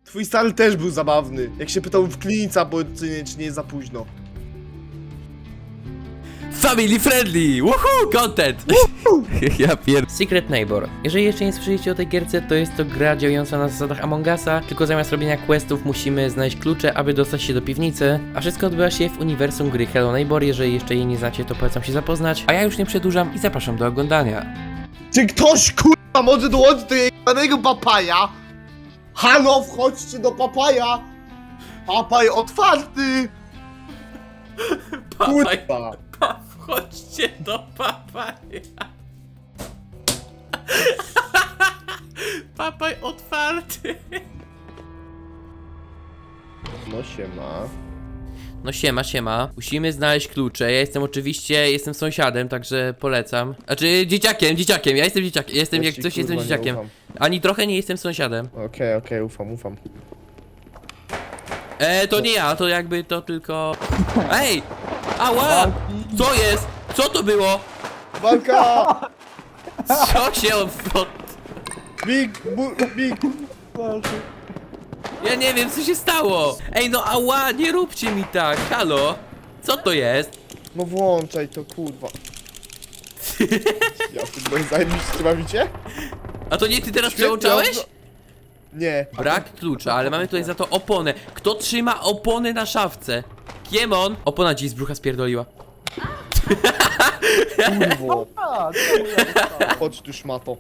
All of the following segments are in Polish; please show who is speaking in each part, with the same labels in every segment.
Speaker 1: Twój stary też był zabawny. Jak się pytał w klinica, bo czy nie jest za późno.
Speaker 2: Family friendly! Woohoo! Content! Ja Secret Neighbor. Jeżeli jeszcze nie słyszeliście o tej gierce, to jest to gra działająca na zasadach Among Usa, tylko zamiast robienia questów musimy znaleźć klucze, aby dostać się do piwnicy, a wszystko odbywa się w uniwersum gry Hello Neighbor. Jeżeli jeszcze jej nie znacie, to polecam się zapoznać, a ja już nie przedłużam i zapraszam do oglądania.
Speaker 1: Czy ktoś kurwa może dołączyć do jebanego papaja? Halo, wchodźcie do papaja! Papaj otwarty! Kurwa!
Speaker 2: Wchodźcie do papaja. Papaj otwarty.
Speaker 1: No siema.
Speaker 2: No siema. Musimy znaleźć klucze. Ja jestem sąsiadem, także polecam. Znaczy dzieciakiem. Ja jestem dzieciakiem. Jestem
Speaker 1: Ja
Speaker 2: jak
Speaker 1: ci,
Speaker 2: coś
Speaker 1: kurwa,
Speaker 2: jestem
Speaker 1: nie
Speaker 2: dzieciakiem.
Speaker 1: ufam.
Speaker 2: Ani trochę nie jestem sąsiadem.
Speaker 1: Okej, ufam.
Speaker 2: To nie ja, to jakby to tylko... Ej! Ała! Co jest? Co to było?
Speaker 1: Walka!
Speaker 2: Co się
Speaker 1: Big!
Speaker 2: Ja nie wiem, co się stało! Ej, no ała, nie róbcie mi tak, halo! Co to jest?
Speaker 1: No włączaj to, kurwa. Ja ty zajebiście bawicie?
Speaker 2: A to nie ty teraz
Speaker 1: Świetnie,
Speaker 2: przełączałeś?
Speaker 1: Nie.
Speaker 2: Brak klucza, ale mamy tutaj za to opony. Kto trzyma opony na szafce? Kiemon? Opona ci z brzucha spierdoliła.
Speaker 1: Kurwo. Chodź tu szmato.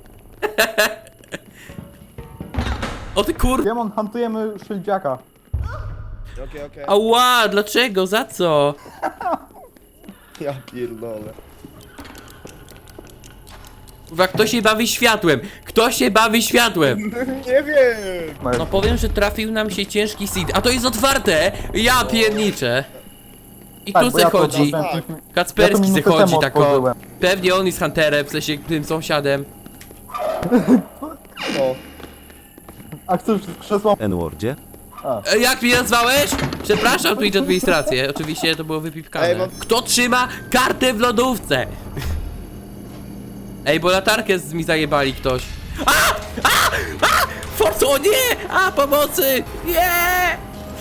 Speaker 2: O ty kur...
Speaker 3: Demon, hantujemy szyldziaka.
Speaker 1: Okej.
Speaker 2: Ała, dlaczego? Za co?
Speaker 1: Ja pierdolę.
Speaker 2: Kurwa, kto się bawi światłem? Kto się bawi światłem?
Speaker 1: Nie wiem.
Speaker 2: No powiem, że trafił nam się ciężki seed. A to jest otwarte! Ja pierniczę. I tu se chodzi. Kacperski se chodzi tako. Pewnie on jest hunterem, w sensie tym sąsiadem.
Speaker 1: O.
Speaker 3: A chcesz krzesło?
Speaker 4: N-wordzie?
Speaker 2: Jak mnie nazwałeś? Przepraszam, Twitch administrację. Oczywiście to było wypipkane.
Speaker 1: Ej, mam-
Speaker 2: Kto trzyma kartę w lodówce? Ej, bo latarkę mi zajebali ktoś. Forco, o nie! Pomocy! Nie!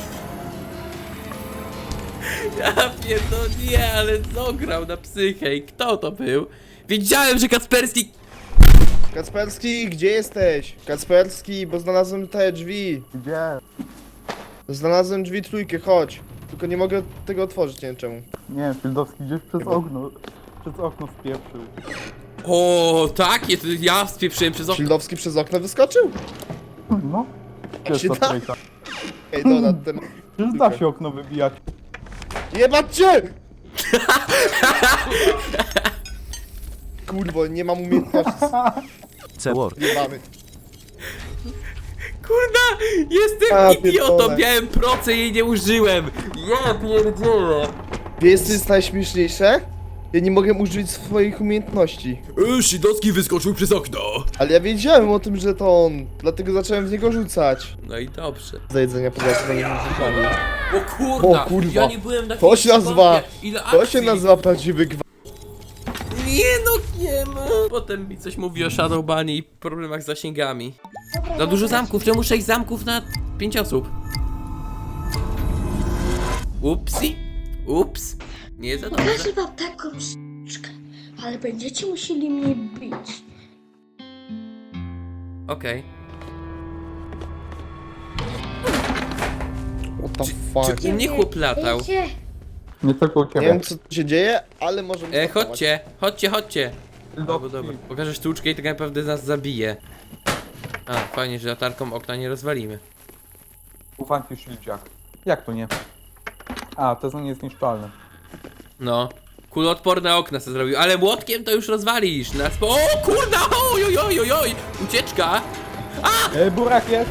Speaker 2: Ja pierdolę, nie, ale zograł na psychę. I kto to był? Wiedziałem, że Kacperski...
Speaker 1: Kacperski, gdzie jesteś? Kacperski, bo znalazłem te drzwi.
Speaker 3: Gdzie?
Speaker 1: Znalazłem drzwi trójkę, chodź. Tylko nie mogę tego otworzyć, nie wiem czemu.
Speaker 3: Nie, Fieldowski gdzieś przez okno. Przez okno spieprzył.
Speaker 2: O, tak? Ja spieprzyłem przez okno.
Speaker 1: Szildowski przez okno wyskoczył?
Speaker 3: No.
Speaker 1: Jak się
Speaker 3: Wiesz,
Speaker 1: da?
Speaker 3: co
Speaker 1: Ej, dobra, ten...
Speaker 3: Przecież da się okno wybijać.
Speaker 1: Jebać cię! Kurwo, nie mam umiejętności.
Speaker 4: C-word.
Speaker 1: Jebamy.
Speaker 2: Kurna, jestem
Speaker 1: A,
Speaker 2: idiotą,
Speaker 1: pierdolę.
Speaker 2: miałem proce i jej nie użyłem. Ja pierdzielę.
Speaker 1: Wiesz co jest najśmieszniejsze? Ja nie mogę użyć swoich umiejętności.
Speaker 2: Szydowski wyskoczył przez okno.
Speaker 1: Ale ja wiedziałem o tym, że to on. Dlatego zacząłem w niego rzucać.
Speaker 2: No i dobrze.
Speaker 1: Za jedzenia polecam na
Speaker 2: O kurna,
Speaker 1: O kurwa.
Speaker 2: ja nie byłem na
Speaker 1: To się nazywa...
Speaker 2: Ile
Speaker 1: To
Speaker 2: akcji.
Speaker 1: się nazywa prawdziwy gwałt.
Speaker 2: Nie no, nie ma. Potem mi coś mówi o Shadowbanie i problemach z zasięgami. Za dużo zamków, czemu 6 zamków na 5 osób? Upsi. Ups. Nie za dobrze.
Speaker 5: Pokażę wam taką sztuczkę, ale będziecie musieli mnie bić.
Speaker 2: Okej.
Speaker 1: What the
Speaker 2: Czy
Speaker 1: fuck?
Speaker 2: u mnie chłop latał?
Speaker 5: Wiecie,
Speaker 3: Nie tylko u
Speaker 1: Nie
Speaker 3: ciebie.
Speaker 1: wiem co tu się dzieje, ale może...
Speaker 2: Chodźcie. Albo dobra, pokażę sztuczkę i tak naprawdę nas zabije. A, fajnie, że latarką okna nie rozwalimy.
Speaker 3: Ufam ci szyldziak. Jak to nie? A, to nie jest niszczalne.
Speaker 2: No. Kuloodporne okna sobie zrobił, ale młotkiem to już rozwalisz. O kurna! Oj! Ucieczka!
Speaker 3: Burak jest!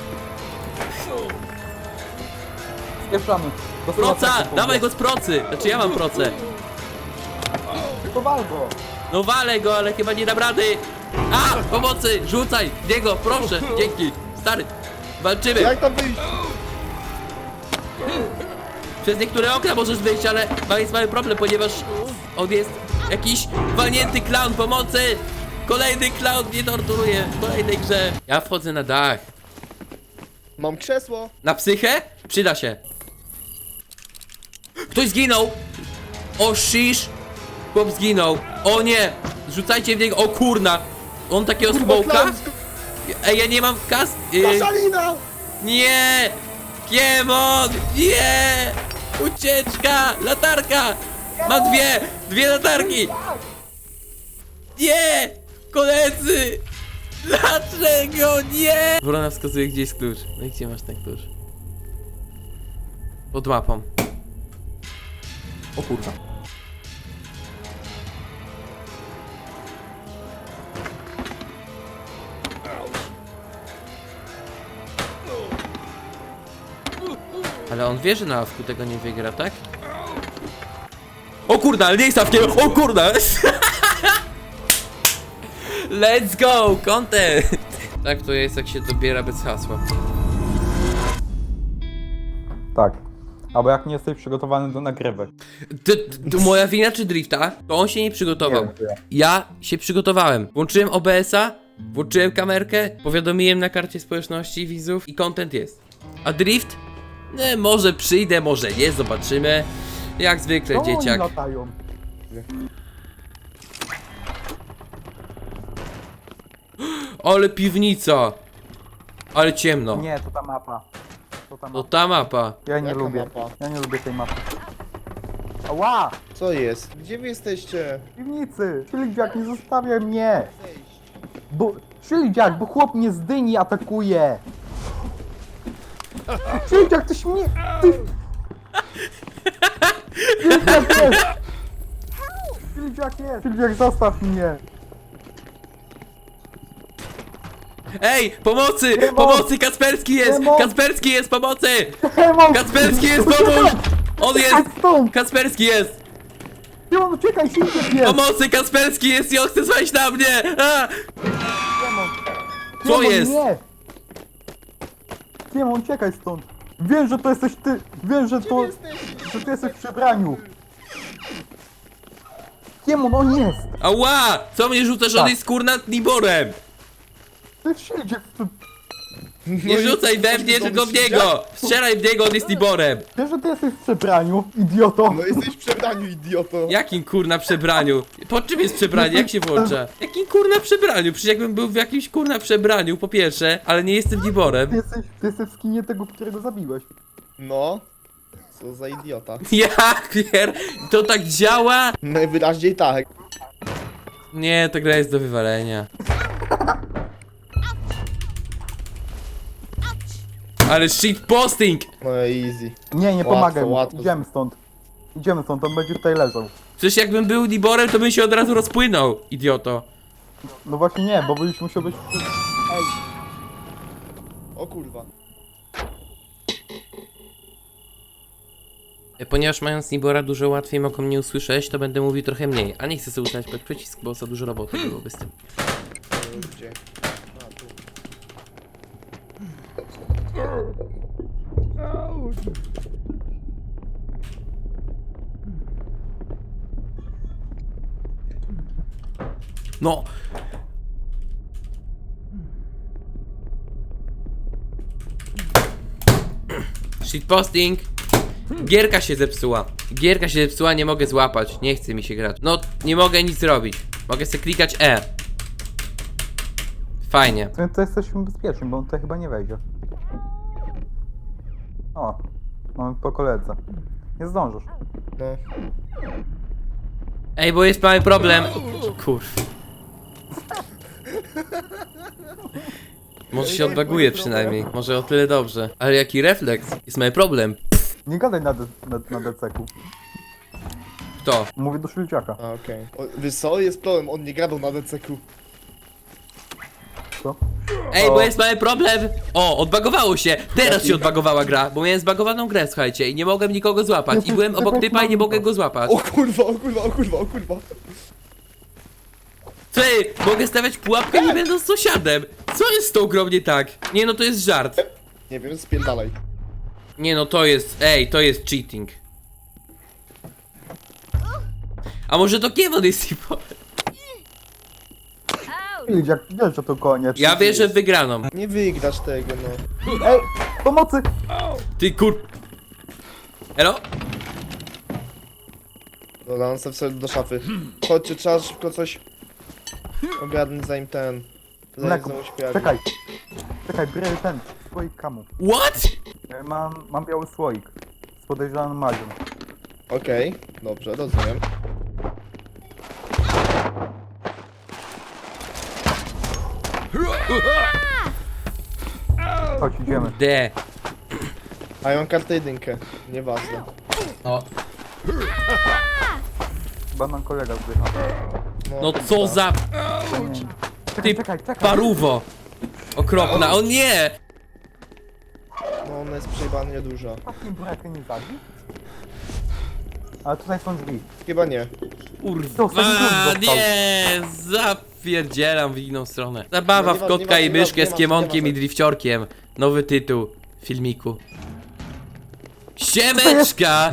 Speaker 3: Spieprzamy. Do
Speaker 2: Proca!
Speaker 3: samochodu.
Speaker 2: Dawaj go z procy! Znaczy ja mam procę.
Speaker 3: To wal go!
Speaker 2: No walę go, ale chyba nie dam rady! Pomocy! Rzucaj! W niego, proszę! Dzięki! Stary! Walczymy!
Speaker 1: Jak tam wyjść?
Speaker 2: Przez niektóre okna możesz wyjść, ale jest mały problem, ponieważ on jest jakiś walnięty clown, pomocy! Kolejny clown mnie torturuje w kolejnej grze. Ja wchodzę na dach.
Speaker 1: Mam krzesło.
Speaker 2: Na psychę? Przyda się. Ktoś zginął! O shish! Chłop zginął. O nie! Rzucajcie w niego. O kurna! On takiego smoka?
Speaker 1: Klaun,
Speaker 2: Ej, ja nie mam kas...
Speaker 1: Szalina!
Speaker 2: Nie! Kiemon! Nie! Ucieczka! Latarka! Ma dwie latarki! Nie! Koledzy! Dlaczego nie? Wrona wskazuje, gdzie jest klucz. No i gdzie masz ten klucz? Pod mapą. O kurwa. Ale on wie, że na awku tego nie wygra, tak? O kurda, ale nie jest awkiem! O kurda! Let's go! Content! Tak to jest, jak się dobiera bez hasła.
Speaker 3: Tak. Albo jak nie jesteś przygotowany do nagrywek.
Speaker 2: To moja wina czy drifta? To on się nie przygotował.
Speaker 3: Nie, to ja.
Speaker 2: Ja się przygotowałem. Włączyłem OBS-a, włączyłem kamerkę, powiadomiłem na karcie społeczności widzów i content jest. A drift? Nie, może przyjdę, może nie, zobaczymy. Jak zwykle,
Speaker 3: Czemu oni
Speaker 2: dzieciak.
Speaker 3: latają?
Speaker 2: Ale piwnica! Ale ciemno.
Speaker 3: Nie, to ta mapa. To ta
Speaker 2: To
Speaker 3: mapa.
Speaker 2: ta mapa.
Speaker 3: Ja nie
Speaker 1: Jaka
Speaker 3: lubię.
Speaker 1: mapa?
Speaker 3: Ja nie lubię tej mapy. Ała!
Speaker 1: Co jest? Gdzie wy jesteście?
Speaker 3: W piwnicy! Ślidziak, nie zostawiaj mnie! Bo... Ślidziak, bo chłop mnie z dyni atakuje! Ślidziak, ty śmie... Ty... Ślidziak jest! Ślidziak jest! Ślidziak, zostaw mnie!
Speaker 2: Ej, pomocy!
Speaker 3: Demon!
Speaker 2: Pomocy! Kasperski jest!
Speaker 3: Demon!
Speaker 2: Kasperski jest! Pomocy!
Speaker 3: Demon!
Speaker 2: Kasperski jest! Pomóż! On jest!
Speaker 3: Stąd!
Speaker 2: Kasperski jest!
Speaker 3: Demon, uciekaj, Ślidziak jest!
Speaker 2: Pomocy! Kasperski jest i on chce zwaść na mnie! A!
Speaker 3: Demon!
Speaker 2: Co
Speaker 3: Demon,
Speaker 2: jest?
Speaker 3: Nie! Demon, uciekaj stąd! Wiem, że to jesteś ty! Wiem, że to... że ty jesteś w przebraniu! Demon, on jest!
Speaker 2: Ała! Co mnie rzucasz? On
Speaker 3: Tak.
Speaker 2: jest kurna Niborem!
Speaker 3: To jest Ślidziak!
Speaker 2: Nie rzucaj we mnie, tylko w niego! Strzelaj w niego, on jest Niborem!
Speaker 3: Wiesz, że ty jesteś w przebraniu, idioto!
Speaker 1: No jesteś w przebraniu, idioto.
Speaker 2: Jakim kurna przebraniu? Po czym jest przebranie? Jak się włącza? Jakim kurna przebraniu? Przecież jakbym był w jakimś kurna przebraniu, po pierwsze, ale nie jestem Niborem.
Speaker 3: Ty jesteś w skinie tego, którego zabiłeś.
Speaker 1: No. Co za idiota.
Speaker 2: Jak pier... To tak działa?
Speaker 1: Najwyraźniej tak.
Speaker 2: Nie, ta gra jest do wywalenia. Ale shitposting!
Speaker 1: No easy.
Speaker 3: Nie, nie
Speaker 1: Łatwo,
Speaker 3: pomagaj mu.
Speaker 1: łatwo.
Speaker 3: Idziemy stąd. Idziemy stąd, on będzie tutaj leżał.
Speaker 2: Przecież jakbym był Niborem, to bym się od razu rozpłynął, idioto.
Speaker 3: No właśnie nie, bo byś musiał być... Ej,
Speaker 1: O kurwa.
Speaker 2: Ponieważ mając Nibora dużo łatwiej mogą mnie usłyszeć, to będę mówił trochę mniej. A nie chcę sobie ustawić pod przycisk, bo za dużo roboty byłoby z tym.
Speaker 1: Gdzie? A, tu.
Speaker 2: No! Shitposting! Gierka się zepsuła. Gierka się zepsuła, nie mogę złapać. Nie chce mi się grać. No, nie mogę nic zrobić. Mogę sobie klikać E. Fajnie.
Speaker 3: to jesteśmy bezpieczni, bo on tutaj chyba nie wejdzie. O, mamy po koledze. Nie zdążysz.
Speaker 1: No.
Speaker 2: Ej, bo jest mały problem. Kurw. Może się odbaguje przynajmniej. Może o tyle dobrze. Ale jaki refleks? Jest mały problem.
Speaker 3: Nie gadaj na DCK-u.
Speaker 2: Kto?
Speaker 3: Mówię do Ślidziaka.
Speaker 1: A, okej. Wiesz co? Jest problem, on nie gadał na DCQ.
Speaker 3: Co?
Speaker 2: Ej, bo jest mały problem! O, odbagowało się! Teraz się odbagowała gra, bo miałem zbagowaną grę, słuchajcie, i nie mogłem nikogo złapać. I byłem obok typa i nie mogę go złapać.
Speaker 1: O kurwa, o kurwa, o kurwa, o kurwa.
Speaker 2: Ty, mogę stawiać pułapkę nie będąc sąsiadem! Co jest z tą grą nie tak? Nie no, to jest żart.
Speaker 1: Nie wiem, spierdalaj.
Speaker 2: Nie no, to jest, ej, to jest cheating. A może to Kiewon jest tipo?
Speaker 3: Chilidziak, wiesz, że to koniec.
Speaker 2: Ja wierzę w wygraną.
Speaker 1: Nie wygrasz tego, no.
Speaker 3: Ej, pomocy!
Speaker 2: Ty kur... Elo?
Speaker 1: Dobra, on sobie do szafy. Chodźcie, trzeba szybko coś ogarnąć zanim ten... Zanim
Speaker 3: Mleko,
Speaker 1: znowu się pojawi.
Speaker 3: czekaj, biorę ten, słoik kamu.
Speaker 2: What?
Speaker 3: Mam biały słoik z podejrzaną magią.
Speaker 1: Okej, dobrze, rozumiem.
Speaker 3: Chodź, idziemy.
Speaker 2: D.
Speaker 1: A ja mam kartę jedynkę, nieważne.
Speaker 2: O.
Speaker 3: Chyba nam kolega zdycha.
Speaker 2: No co za
Speaker 3: Czekaj,
Speaker 2: Ty
Speaker 3: czekaj.
Speaker 2: paruwo. Okropna, o nie!
Speaker 1: No ona jest przejebana nieduża.
Speaker 3: Takim burakę nie zabić? Ale tutaj są drzwi.
Speaker 1: Chyba nie.
Speaker 2: Kurwa, nie! Zapierdzielam w inną stronę. Zabawa w kotka i myszkę z kiemonkiem i drifciorkiem. Nowy tytuł filmiku. Siemeczka!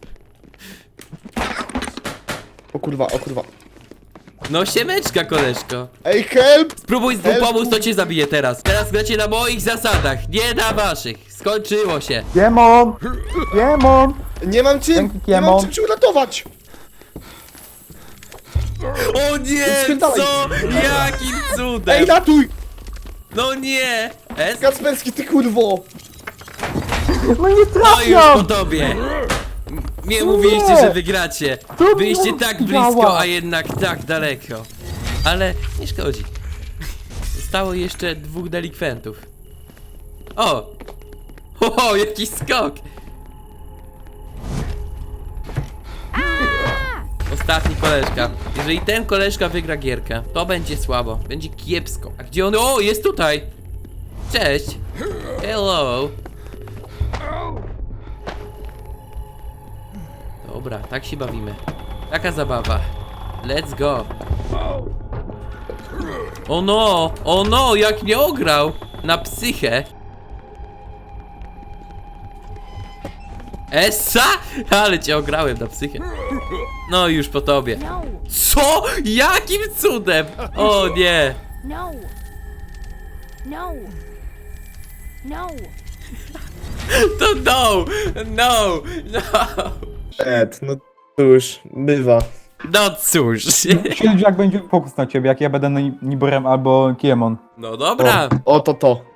Speaker 1: O kurwa, o kurwa.
Speaker 2: No siemeczka, koleżko.
Speaker 1: Ej, help!
Speaker 2: Spróbuj z
Speaker 1: Help!
Speaker 2: pomóc, to cię zabiję teraz. Teraz gracie na moich zasadach, nie na waszych. Skończyło się.
Speaker 3: Kiemon! Kiemon!
Speaker 1: Nie mam czym!
Speaker 3: Dzięki,
Speaker 1: Nie mam
Speaker 3: Kiemo.
Speaker 1: czym cię uratować!
Speaker 2: O nie,
Speaker 1: Spierdalaj.
Speaker 2: co? Jakim cudem?
Speaker 1: Ej, ratuj!
Speaker 2: No nie! S?
Speaker 1: Kacperski, ty kurwo!
Speaker 3: No nie
Speaker 2: No już po
Speaker 3: trafiam!
Speaker 2: tobie! Nie mówiliście, że wygracie.
Speaker 3: To
Speaker 2: Byliście
Speaker 3: nie
Speaker 2: tak blisko,
Speaker 3: działa.
Speaker 2: a jednak tak daleko. Ale nie szkodzi. Zostało jeszcze 2 delikwentów. O! O, jaki skok! Ostatni koleżka. Jeżeli ten koleżka wygra gierkę, to będzie słabo. Będzie kiepsko. A gdzie on? O, jest tutaj! Cześć! Hello! Dobra, tak się bawimy. Taka zabawa. Let's go. O no, jak mnie ograł! Na psychę. Essa? Ale cię ograłem na psychę. No już po tobie.
Speaker 6: No,
Speaker 2: Co? Jakim cudem? O nie.
Speaker 6: no, no, no.
Speaker 2: To no. No.
Speaker 1: Ed, no cóż, bywa.
Speaker 2: No cóż.
Speaker 3: Chilidziak będzie fokus na ciebie, jak ja będę Niborem albo Kiemon.
Speaker 2: No dobra.
Speaker 1: Oto to.